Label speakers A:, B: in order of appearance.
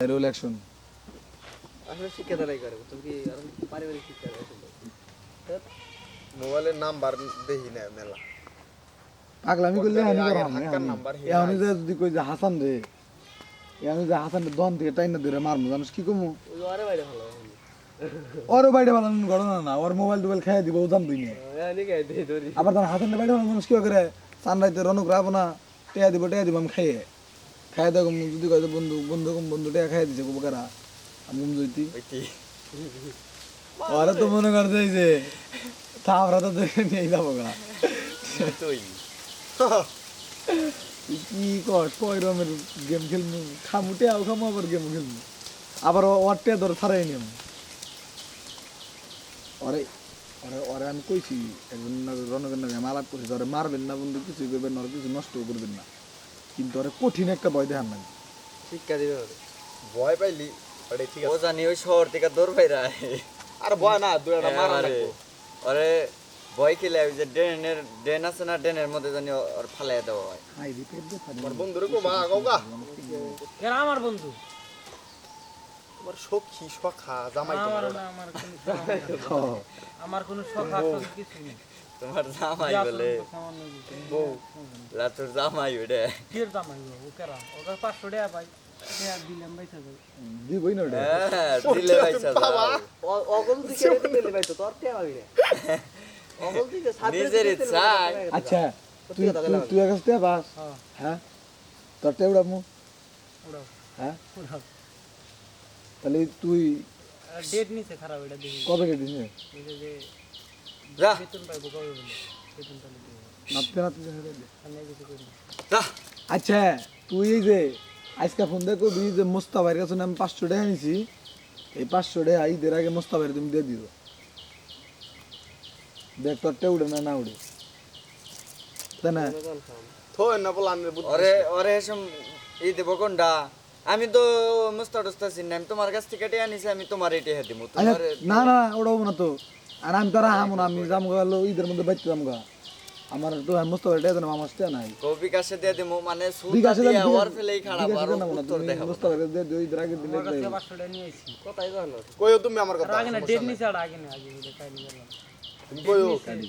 A: Roll action
B: আসলে শিক্ষা দ্বারাই করে তুমি কি আর পারিবারিক শিক্ষা আসলে
C: মোবাইলের নাম্বার দেখি না মেলা
A: পাগলামি করলে হানি করা
C: হাক্কার নাম্বার হে
A: আমি যদি কই যে হাসান রে আমি যে হাসান দন থেকে টাইনা ধরে মারমু জানিস কি কমু
B: ওই আরে বাইরে ভালো
A: ওর বাইরে বানান ঘটনা না ওর মোবাইল টোবাইল খাইয়া দিব ওদান দুই নিয়ে
B: আমি গাই দেই ধরি
A: আবার তার হাসান বাইরে বানান মানুষ কি করে সানরাইতে রনক রাব না টেয়া দিব আমি খাইয়ে খাইয়ে দেখো যদি কয় বন্ধু টেয়া খাইয়ে দিছে কোবকারা আমি জইতি
C: ওইটি
A: ওরা তো মনে করছে যে তাওরা তো দেখে নিয়ে যাবো গা
C: তুই
A: কি কস কয় রকমের গেম খেলবো খামুটে খামু আবার গেম খেলবো আবার ওরটে ধর ছাড়াই নিয়ম ওরে ওরে ওরে আমি কইছি একজন রনকের নামে আমি আলাপ করছি ওরে মারবেন না বন্ধু কিছুই করবেন না ওরে কিছু নষ্ট করবেন না কিন্তু ওরে কঠিন একটা ভয় দেখান না
B: শিক্ষা দিবে ওরে
C: ভয় পাইলি ওরে ঠিক
D: ও
C: আছে
D: জানি ওই শহর থেকে দৌড় পাইরা
C: আর ভয় না দুইটা মারা লাগবো
D: ওরে ভয় খেলে ওই যে ড্রেন আছে না ড্রেনের মধ্যে জানি ওর ফালাই দেওয়া হয়
A: হাই রিপোর্ট দে পারি
C: আমার বন্ধুরে কো মা গৌগা
E: এরা আমার বন্ধু
C: তোমার সখী সখা জামাই
E: আমার
C: তোমার
E: না আমার কোনো শখ নাই। আমার কোনো শখ আছে কিছু নেই
D: তোমার জামাই বলে
E: সামান্য কিছু।
C: বউ
D: লাতুর জামাই ওটা
E: কির জামাই ও কেরা ওকে 500 টাকা পাই টাকা দিলাম বাইসা যাই
A: দিবই না ওটা
D: হ্যাঁ দিলে পয়সা দাও
B: অগল থেকে রেতে দিলে ভাই তো তোর কে পাবি না অগল থেকে
D: নিজের ইচ্ছা
A: আচ্ছা তুই তুই কাছে তে বাস
E: হ্যাঁ
A: হ্যাঁ তোর টেউড়া মু
E: ওড়াও
A: হ্যাঁ
E: ওড়াও
A: তাহলে তুই
E: ডেট নিছে খারাপ এটা দেখি
A: কবে কেটেছিস
E: বলে যে
D: যা
E: বেতন পাইবো কবে বলে বেতন তাহলে দিব
A: নাপতে
E: আমি কিছু করি না।
D: যা
A: আচ্ছা তুই এই যে আজকে ফোন দিয়ে কবি যে মোস্তাফার কাছে আমি 500 টাকা নিছি এই 500 টাকা ঈদের আগে মোস্তাফার তুমি দিয়ে দিও দেখ তোরটা উড়ে না উড়ে তাই না
C: থই না বল আমি বুদ্ধি
D: ওরে ওরে এসম এই দেব কোনটা আমি তো মুস্তা টুস্তা চিনি আমি তোমার কাছ থেকে টিয়া নিছি আমি তোমার এটি হে দিমু
A: আচ্ছা
D: তোমার
A: না না ওটা হবো না তো আর আমি তারা হামো না আমি যাম গেল ঈদের মধ্যে বাইতে যাম গা আমার তো মোস্তাফার টাকা দেন আমার টাকা নাই
D: কবি কাছে দিয়ে দিমু মানে সুতা
A: বিকাশে
D: দিয়ে ওর ফেলেই খারাপ আর উত্তর দেখাবো
A: মোস্তাফার দিয়ে দিও ঈদের আগে দিলে
E: আমার কাছে 500 টাকা নিয়ে আইছি
B: কথাই জানো
C: কইও তুমি আমার
E: আর
C: কথা
E: আগে না ডেট নিছে আর আগে না আগে বলে তাই নিয়ে গেলাম
C: তুমি কইও